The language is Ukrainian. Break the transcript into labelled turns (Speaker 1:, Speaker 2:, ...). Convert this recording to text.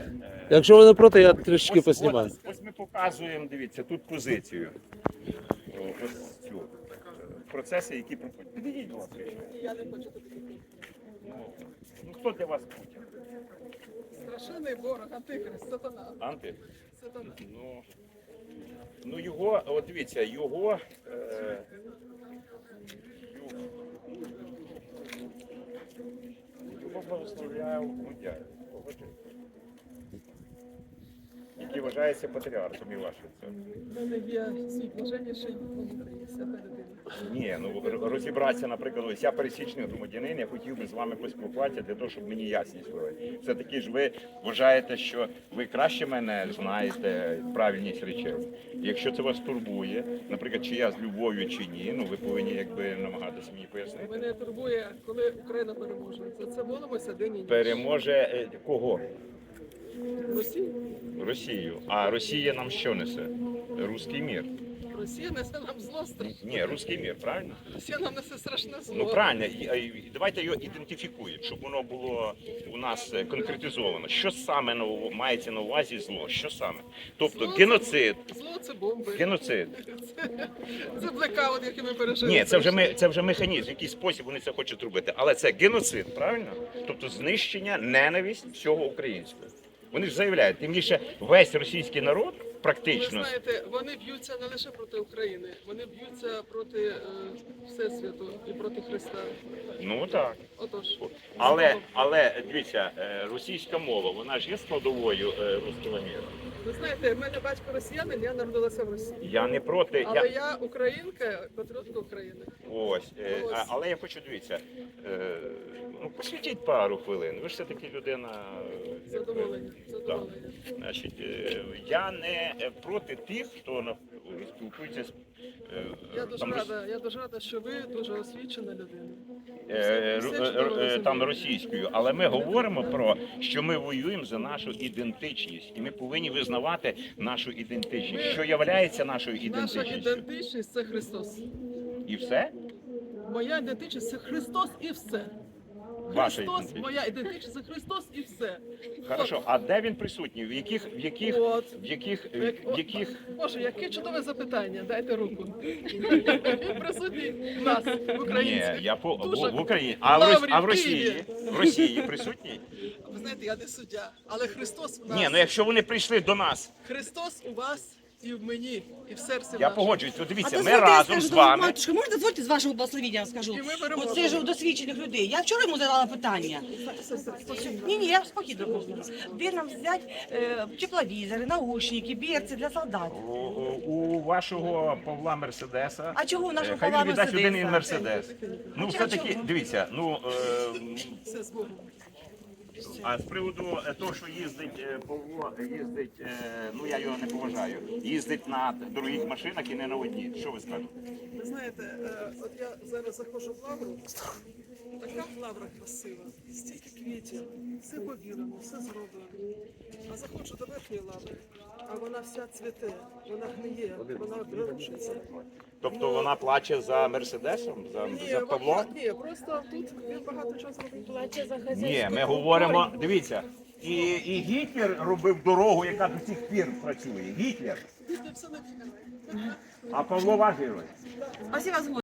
Speaker 1: Якщо ви не проти, я трішки поснімаю.
Speaker 2: Ось ми показуємо, дивіться, тут позицію. Ось цю. Процеси, які проходять. Підійдіть, будь ласка.
Speaker 3: Я не хочу туди.
Speaker 2: Ну, хто для вас Путін?
Speaker 3: Страшенний ворог, антихрист, сатана.
Speaker 2: Анти?
Speaker 3: Сатана.
Speaker 2: Ну його, от дивіться, його благословляє Мудяй, який вважається патріархом і вашим.
Speaker 3: У мене є свій блаженніший внутрі, свята людина.
Speaker 2: Ні, ну розібратися, наприклад, ось я пересічний громадянин, я хотів би з вами поспілкуватися для того, щоб мені ясність була. Все-таки ж ви вважаєте, що ви краще мене знаєте правильність речей. Якщо це вас турбує, наприклад, чи я з любов'ю, чи ні, ну ви повинні якби намагатися мені пояснити.
Speaker 3: Мене турбує, коли Україна переможе. За це молимося день і ніч.
Speaker 2: Переможе кого?
Speaker 3: Росія.
Speaker 2: Росію. А Росія нам що несе? Руський мір.
Speaker 3: Росія несе нам зло страшне.
Speaker 2: Ні, руський мір, правильно?
Speaker 3: Росія нам несе страшне зло.
Speaker 2: Ну правильно, давайте його ідентифікуємо, щоб воно було у нас конкретизовано. Що саме мається на увазі зло? Що саме? Тобто
Speaker 3: Зло
Speaker 2: геноцид.
Speaker 3: Зло це бомби.
Speaker 2: Геноцид.
Speaker 3: Це блекаут, який ми пережили.
Speaker 2: Ні, це вже механізм, в який спосіб вони це хочуть робити. Але це геноцид, правильно? Тобто знищення, ненависть всього українського. Вони ж заявляють, тим більше весь російський народ практично.
Speaker 3: Ви знаєте, вони б'ються не лише проти України, вони б'ються проти Всесвіту і проти Христа.
Speaker 2: Ну так.
Speaker 3: Отож.
Speaker 2: Але дивіться, російська мова, вона ж є складовою руського міра.
Speaker 3: Ви знаєте, в мене батько росіянин, я народилася в Росії.
Speaker 2: Я не проти.
Speaker 3: Але я українка, патріотка України.
Speaker 2: Ось, але я хочу, дивіться, ну посвятіть пару хвилин. Ви ж все-таки людина.
Speaker 3: Задоволення. Задоволення.
Speaker 2: Значить, я не проти тих, хто спілкується з
Speaker 3: Я дуже рада, що ви дуже освічена людина.
Speaker 2: там російською, але ми говоримо про, що ми воюємо за нашу ідентичність, і ми повинні визнавати нашу ідентичність. Що є нашою
Speaker 3: Наша
Speaker 2: ідентичністю?
Speaker 3: ідентичність це Христос.
Speaker 2: І все?
Speaker 3: Моя ідентичність це Христос і все.
Speaker 2: Ваша
Speaker 3: Христос,
Speaker 2: ідентичність.
Speaker 3: моя ідентичність це Христос і все.
Speaker 2: Хорошо, а де він присутній?
Speaker 3: Боже, яке чудове запитання. Дайте руку. Він присутній в нас, в Україні.
Speaker 2: Ні,
Speaker 3: Дуже
Speaker 2: в Україні.
Speaker 3: Лаврі,
Speaker 2: А в
Speaker 3: в
Speaker 2: Росії?
Speaker 3: Києві.
Speaker 2: В Росії присутній?
Speaker 3: Ви знаєте, я не суддя, але Христос в нас.
Speaker 2: Ні, ну якщо вони прийшли до нас,
Speaker 3: Христос у вас і в мені, і в серці
Speaker 2: я
Speaker 3: нашому.
Speaker 2: погоджуюсь. То дивіться, ми
Speaker 4: дозвольте, я
Speaker 2: разом
Speaker 4: скажу,
Speaker 2: з вами.
Speaker 4: Матушка, можна дозвольте з вашого благословення, я скажу?
Speaker 3: І ми переможемо.
Speaker 4: Оце ж у досвідчених людей. Я вчора йому задала питання. Ні, я спокійно кажу. Де нам взяти тепловізори, наушники, берці для солдат?
Speaker 2: У вашого Павла Мерседеса.
Speaker 4: А чого у нашого
Speaker 2: хай
Speaker 4: Павла
Speaker 2: він віддасть
Speaker 4: Мерседеса?
Speaker 2: один Мерседес. Ну, все-таки, дивіться,
Speaker 3: Все з Богом.
Speaker 2: а з приводу того, що їздить Павло, ну я його не поважаю, їздить на дорогих машинах і не на одній. Що ви скажете?
Speaker 3: Ви знаєте, от я зараз заходжу в лавру, така лавра красива, стільки квітів, все повірено, все зроблено. А заходжу до верхньої лаври, а вона вся цвіте, вона гниє, вона прирушиться.
Speaker 2: Тобто вона плаче за Мерседесом, за Павлом?
Speaker 3: Ні, просто тут він багато чого зробив.
Speaker 5: Плаче за хазяйську.
Speaker 2: Ні, ми говоримо, дивіться, і Гітлер робив дорогу, яка до сих пір працює. Гітлер.
Speaker 3: Все не
Speaker 2: А Павло ваш герой.
Speaker 4: Спасибо,